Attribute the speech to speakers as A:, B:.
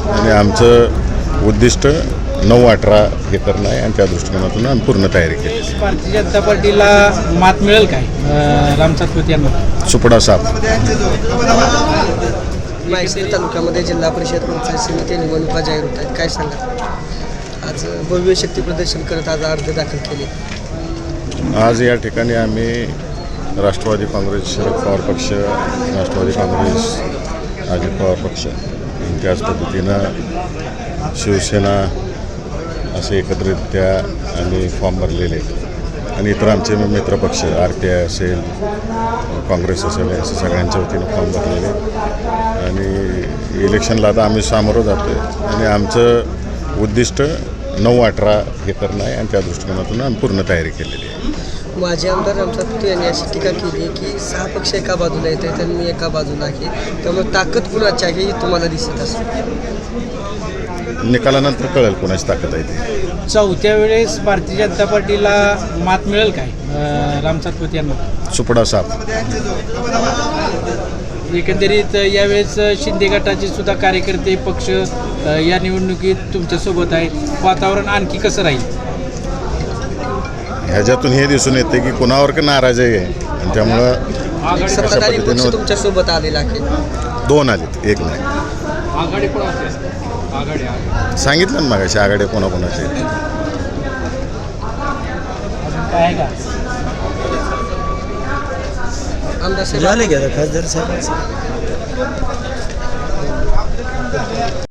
A: आणि आमचं उद्दिष्ट 9-18 हे करणं आहे आणि त्या दृष्टिकोनातून आम्ही पूर्ण तयारी केली.
B: भारतीय जनता पार्टीला मात मिळेल काय राम सातपुते यांना?
A: सुपडा साप.
C: माहिती तालुक्यामध्ये जिल्हा परिषद पंचायत समिती निवडणुका जाहीर होत आहेत, काय सांगा? आज भव्य शक्ती प्रदर्शन करत आज अर्ज दाखल केले.
A: आज या ठिकाणी आम्ही राष्ट्रवादी काँग्रेस, शरद पवार पक्ष, राष्ट्रवादी काँग्रेस, अजित पवार पक्ष, त्याच पद्धतीनं शिवसेना असे एकत्रितरित्या आम्ही फॉर्म भरलेले आणि इतर आमचे मित्रपक्ष RPI असेल, काँग्रेस असेल, असे सगळ्यांच्या वतीनं फॉर्म भरलेले आणि इलेक्शनला आता आम्ही सामोरं जातो आहे आणि आमचं उद्दिष्ट 9-18 हे करणं आहे आणि त्या दृष्टिकोनातून आम्ही पूर्ण तयारी केलेली आहे.
C: माजी आमदार राम सातपुते यांनी अशी टीका केली की 6 पक्ष एका बाजूला येत आहेत आणि मी एका बाजूला आहे, त्यामुळे ताकद कुणाची आहे ही तुम्हाला दिसत असेल.
A: निकालानंतर कळेल कोणाची ताकद आहे ती.
B: चौथ्या वेळेस भारतीय जनता पार्टीला मात मिळेल काय राम सातपुते यांना?
A: सुपडा साप.
B: एकंदरीत यावेळेस शिंदे गटाचे सुद्धा कार्यकर्ते पक्ष या निवडणुकीत तुमच्यासोबत आहे. वातावरण आणखी कसं राहील?
A: ह्याच्यातून हे दिसून येते की कुणावर का नाराजी आहे आणि त्यामुळं
C: सत्ताधारी पक्ष तुमच्यासोबत आलेला आहे.
A: 2 आलेत, 1 नाही.
B: आघाडी कोणाची? आघाडी
A: सांगितलं ना मगाशी आघाडी कोणाकोणाची आहे.
B: काय आहे का?
C: आमदार साहेब
D: झाले का खासदार साहेब?